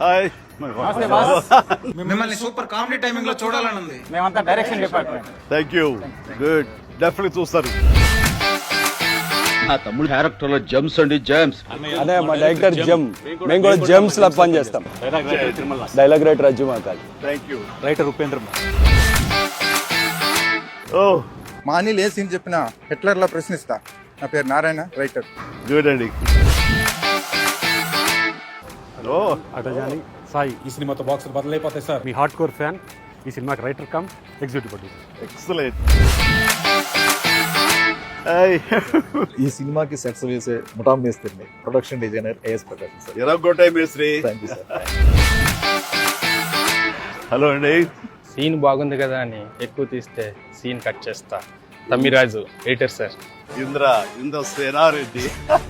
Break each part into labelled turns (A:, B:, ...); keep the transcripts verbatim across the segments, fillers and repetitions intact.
A: Hi
B: మిమ్మల్ని super comedy timing లో చూడాలని ఉంది.
C: మేమంతా direction department.
A: Thank you. Good, definitely చూస్తారు.
D: ఆ తమ్ముడు క్యారెక్టర్ లో జమ్స్ అండి, జమ్స్.
E: అదే మా డైరెక్టర్ జమ్, మేము కూడా జమ్స్ లా పని చేస్తాం. డైలాగ్ రైటర్ రజ్జు మాకాలి.
A: Thank you.
C: రైటర్ ఉపేంద్ర.
A: ఓ
B: మా అనిల్ ఏ సీన్ చెప్పినా హిట్లర్ లా ప్రశ్నిస్తా. నా పేరు నారాయణ, రైటర్.
A: గుడ్ అండి. హలో
F: అటజాని సాయి. ఈ సినిమాతో బాక్సులు బదులైపోతాయి సార్. మీ హార్డ్ కోర్ ఫ్యాన్. ఈ సినిమాకి writer cum executive producer.
A: Excellent.
G: ఈ సినిమాకి సెట్స్ వేసే ముఠా మేస్త్రిని, production designer A S Prakasam sir.
A: ఎరగొట్టాయి మేస్త్రి.
G: Thank you sir.
A: హలో అండి.
H: సీన్ బాగుంది కదా అని ఎక్కువ తీస్తే సీన్ కట్ చేస్తా. Tammiraju editor sir.
A: Indra Indra Senareddy.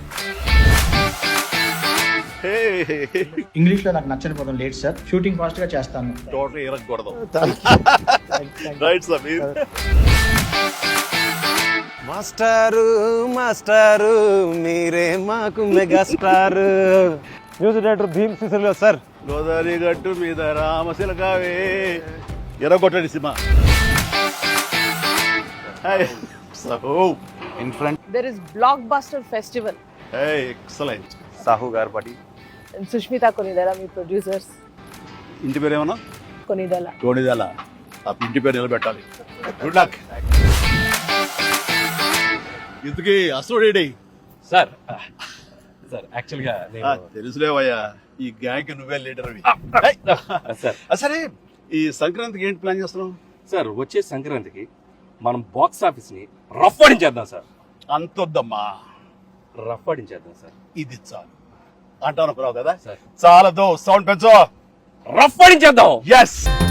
I: English లో నాకు నచ్చని పదం లేట్ సార్. షూటింగ్ ఫాస్ట్ గా చేస్తాను.
A: టోటల్ ఎరగకూడదు. రైట్ సమీర్.
E: మాస్టారు మాస్టారు మీరే మాకు megastar. Music director Bheem Cecil sir.
A: Godavari గట్టు మీద రామశిలకావే. ఎరగొట్టండి cinema.
E: In front
J: There is Blockbuster Festival.
A: Excellent.
E: Sahu గారు పడి
J: And Sushmita Konidala, మీ ప్రొడ్యూసర్స్.
A: ఇంటి పేరు ఏమన్నా?
J: కొనిదల.
A: టోనిదల. ఆ ఇంటి పేరు నిలబెట్టాలి. Good luck. ఇంతకీ అసలు రెడీ
H: సార్ సార్ యాక్చువల్గా
A: తెలుసులేవయ్యా, ఈ గ్యాంగ్ నువ్వే లీడర్.
H: సార్
A: సరే, ఈ సంక్రాంతికి ఏంటి ప్లాన్ చేస్తున్నావు?
H: సార్ వచ్చే సంక్రాంతికి మనం బాక్స్ ఆఫీస్ ని రఫ్ ఆడించేద్దాం సార్.
A: అంతొద్దమ్మా,
H: రఫ్ ఆడించేద్దాం సార్.
A: ఇది చాలు అంటాను కదా.
H: సార్
A: చాలదు, సౌండ్ పెంచు.
H: రఫ్ ఆడించేద్దాం.
A: ఎస్.